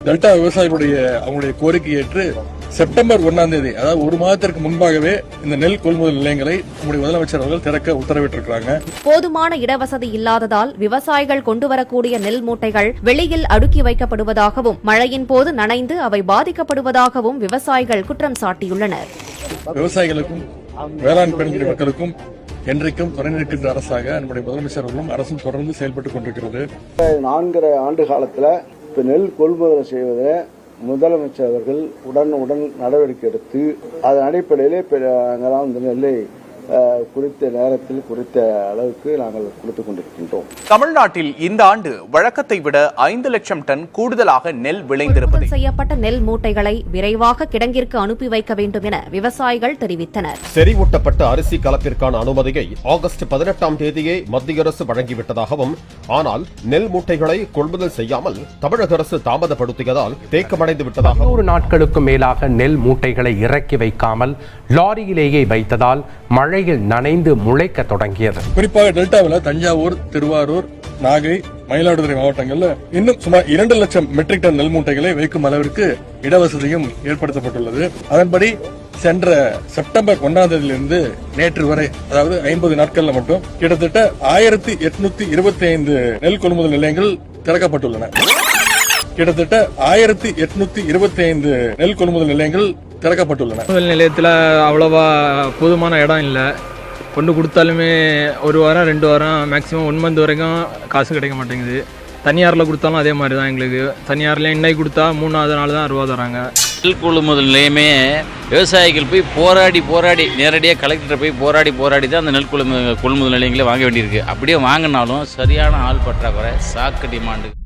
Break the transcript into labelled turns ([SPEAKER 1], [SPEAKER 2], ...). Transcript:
[SPEAKER 1] Delta விவசாயிகளுடைய அவங்களுடைய கோரிக்கை ஏற்று செப்டம்பர் 1ஆம் தேதி, அதாவது ஒரு மாதத்திற்கு முன்பாகவே இந்த நெல் கொள்முதல் நிலையங்களை நம்முடைய முதலமைச்சர் அவர்கள் திறக்க உத்தரவிட்டிருக்கிறாங்க.
[SPEAKER 2] போதுமான இடவசதி இல்லாததால் விவசாயிகள் கொண்டுவரக்கூடிய நெல் மூட்டைகள் வெளியில் அடுக்கி வைக்கப்படுவதாகவும் மழையின் போது நனைந்து அவை பாதிக்கப்படுவதாகவும் விவசாயிகள் குற்றம் சாட்டியுள்ளனர்.
[SPEAKER 1] விவசாயிகளுக்கும் வேளாண் பெண்குடி மக்களுக்கும் என்றைக்கும் துணை நிற்கின்ற அரசாக நம்முடைய முதலமைச்சர் அவர்களும் அரசும் தொடர்ந்து செயல்பட்டுக் கொண்டிருக்கிறது.
[SPEAKER 3] 4 ஆண்டு காலத்தில் நெல் கொள்முதல் செய்வதில் முதலமைச்சர் அவர்கள் உடனுடன் நடவடிக்கை எடுத்து அதன் அடிப்படையிலே நாங்கள் நெல்லை குறித்த நேரத்தில் குறித்த அளவுக்கு நாங்கள் கொடுத்துக் கொண்டிருக்கின்றோம்.
[SPEAKER 4] தமிழ்நாட்டில் இந்த ஆண்டு வழக்கத்தை விட 5 லட்சம் டன் கூடுதலாக நெல் விளைந்திருப்பது
[SPEAKER 2] செய்யப்பட்ட நெல் மூட்டைகளை விரைவாக கிடங்கிற்கு அனுப்பி வைக்க வேண்டும் என விவசாயிகள் தெரிவித்தனர்.
[SPEAKER 5] செறிவூட்டப்பட்ட அரிசி கலப்பிற்கான அனுமதியை ஆகஸ்ட் 18ஆம் தேதியே மத்திய அரசு வழங்கிவிட்டதாகவும், ஆனால் நெல் மூட்டைகளை கொள்முதல் செய்யாமல் தமிழக அரசு தாமதப்படுத்தியதால் தேக்கமடைந்து விட்டதாக
[SPEAKER 6] 100 நாட்களுக்கு மேலாக நெல் மூட்டைகளை இறக்கி வைக்காமல் லாரியிலேயே வைத்ததால் மழையில் நனைந்து முளைக்க தொடங்கியது.
[SPEAKER 1] குறிப்பாக டெல்டாவில் தஞ்சாவூர், திருவாரூர், நாகை, மயிலாடுதுறை மாவட்டங்கள்ல இன்னும் சுமார் 2 லட்சம் மெட்ரிக் டன் நெல் மூட்டைகளை வைக்கும் அளவிற்கு இடவசதியும் ஏற்படுத்தப்பட்டுள்ளது. அதன்படி சென்ற செப்டம்பர் 1ஆம் தேதியிலிருந்து நேற்று வரை, அதாவது 50 நாட்கள்ல மட்டும் கிட்டத்தட்ட 1825 நெல் கொள்முதல் நிலையங்கள் திறக்கப்பட்டுள்ளன. கிட்டத்தட்ட 1825 நெல் கொள்முதல் நிலையங்கள் திறக்கப்பட்டுள்ளன.
[SPEAKER 7] கொள்முதல் நிலையத்தில் அவ்வளவா போதுமான இடம் இல்லை. கொண்டு கொடுத்தாலுமே 1 வாரம் 2 வாரம் மேக்ஸிமம் 1 மந்த் வரைக்கும் காசு கிடைக்க மாட்டேங்குது. தனியாரில் கொடுத்தாலும் அதே மாதிரி தான். எங்களுக்கு தனியாரில் இன்னைக்கு கொடுத்தா 3ஆவது நாள் தான் ரூபா தராங்க.
[SPEAKER 8] நெல் கொள்முதல் நிலையமே விவசாயிகள் போய் போராடி நேரடியாக கலெக்டர் போய் போராடி தான் அந்த நெல் கொள்முதல் நிலையங்களே வாங்க வேண்டியிருக்கு. அப்படியே வாங்கினாலும் சரியான ஆள் பற்றாக்குறை, சாக்கு டிமாண்டு.